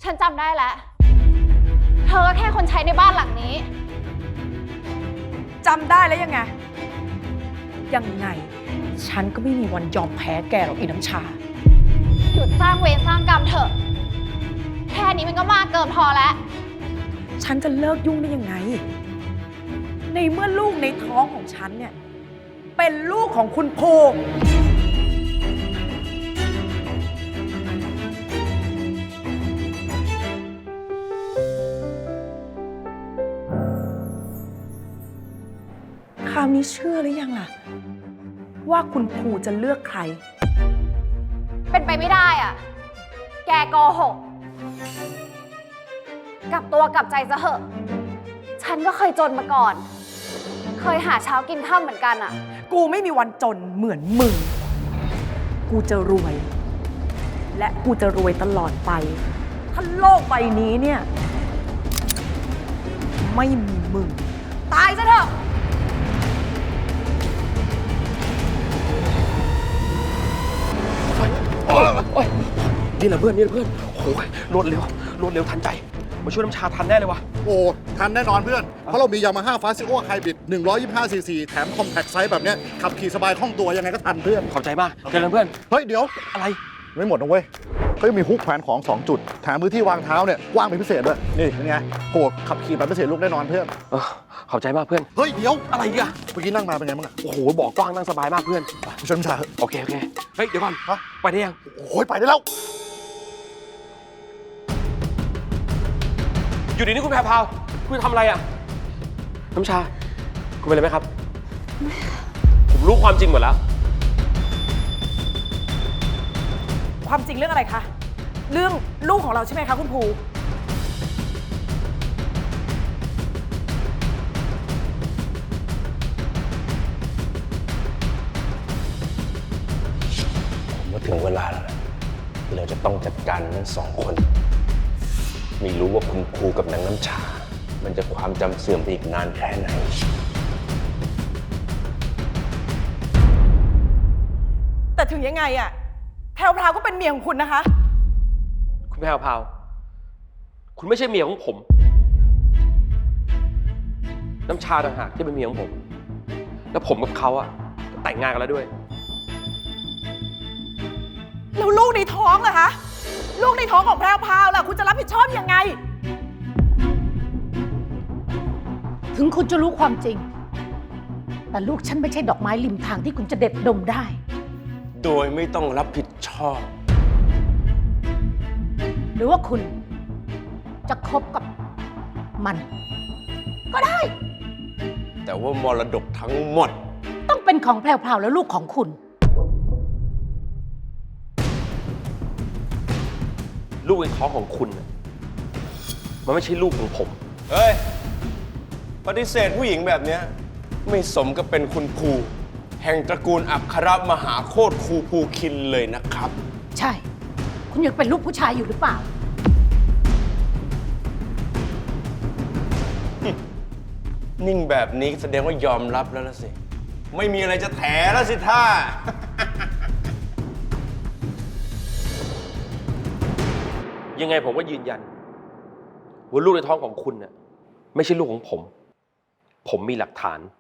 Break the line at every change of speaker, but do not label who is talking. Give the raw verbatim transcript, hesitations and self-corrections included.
ฉันจำได้แล้วเธอก็แค่คนใช้ในบ้านหลังนี้
จำได้แล้วยังไงยังไงฉันก็ไม่มีวันยอมแพ้แกหรอกอีน้ำชา
หยุดสร้างเวรสร้างกรรมเถอะแค่นี้มันก็มากเกินพอแล้ว
ฉันจะเลิกยุ่งได้ยังไงในเมื่อลูกในท้องของฉันเนี่ยเป็นลูกของคุณภูคราวนี้เชื่อหรือยังล่ะว่าคุณภูจะเลือกใคร
เป็นไปไม่ได้อ่ะแกโกหกกลับตัวกลับใจซะเหอะฉันก็เคยจนมาก่อนเคยหาเช้ากินข้าวเหมือนกันอ่ะ
กูไม่มีวันจนเหมือนมึงกูจะรวยและกูจะรวยตลอดไปถ้าโลกใบนี้เนี่ยไม่มีมึงตายซะเถอะ
นี่แหละเพื่อนนี่แหละเพื่อนโอ้ยรวดเร็วรวดเร็วทันใจมาช่วยน้ำชาทันแน่เลยวะ
โอ้ทันแน่นอนเพื่อนเพราะเรามียามาฮ่าฟาซิโอไฮบริดหนึ่งร้อยยี่สิบห้าซีซีแถมคอมแพคไซส์แบบเนี้ยขับขี่สบายคล่องตัวยังไงก็ทันเพื่อน
ขอบใจมากเจอกันเพื่อน
เฮ้ยเดี๋ยว
อะไร
ไม่หมดนะเว้ยเขายังมีฮุกแขวนของสองจุดแถมพื้นที่วางเท้าเนี่ยกว้างเป็นพิเศษด้วยนี่เป็นไงโหขับขี่แบบพิเศษลูกแน่นอนเพื่อน
เออขอบใจมากเพื่อน
เฮ้ยเดี๋ยว
อะไรอีกอะ
เมื่อกี้นั่งมาเป็นไงบ้างอะ
โอ้โหบอกกว้างนั่งสบายมากเพื่อน
ผู้ชมชา
โอเคโอเคเฮ้ยเดี๋ยวก่อน
ฮะ
ไปได้ยัง
โอ้ยไปได้แล้ว
อยู่ดีนี่คุณแพรพาวคุณทำอะไรอะน้ำชาคุณเป็นอะไรไหมครับผมรู้ความจริงหมดแล้ว
ความจริงเรื่องอะไรคะเรื่องลูกของเราใช่ไหมคะคุณภู
ผมว่าถึงเวลาแล้วที่เราจะต้องจัดการทั้งสองคนไม่รู้ว่าคุณครูกับนางน้ำชามันจะความจำเสื่อมไปอีกนานแค่ไหน
แต่ถึงยังไงอะแพรวพราวก็เป็นเมียของคุณนะคะ
คุณแพรพาวคุณไม่ใช่เมียของผมน้ำชาต่างหากที่เป็นเมียของผมแล้วผมกับเขาอะแต่งงานกันแล้วด้วย
แล้วลูกในท้องล่ะคะลูกในท้องของแพรวพราวล่ะคุณจะรับผิดชอบยังไง
ถึงคุณจะรู้ความจริงแต่ลูกฉันไม่ใช่ดอกไม้ริมทางที่คุณจะเด็ดดมได้
โดยไม่ต้องรับผิดชอบ
หรือว่าคุณจะคบกับมันก็ได้
แต่ว่ามรดกทั้งหมด
ต้องเป็นของแพรวๆและลูกของคุณ
ลูกในท้องของคุณมันไม่ใช่ลูกของผม
เฮ้ยปฏิเสธผู้หญิงแบบนี้ไม่สมกับเป็นคุณครูแห่งตระกูลอัครมหาโคตรครูภูคินเลยนะครับ
ใช่คุณยังเป็นลูกผู้ชายอยู่หรือเปล่า
นิ่งแบบนี้แสดงว่ายอมรับแล้วละสิไม่มีอะไรจะแถแล้วสิท่า
ยังไงผมก็ยืนยันว่าลูกในท้องของคุณน่ะไม่ใช่ลูกของผมผมมีหลักฐาน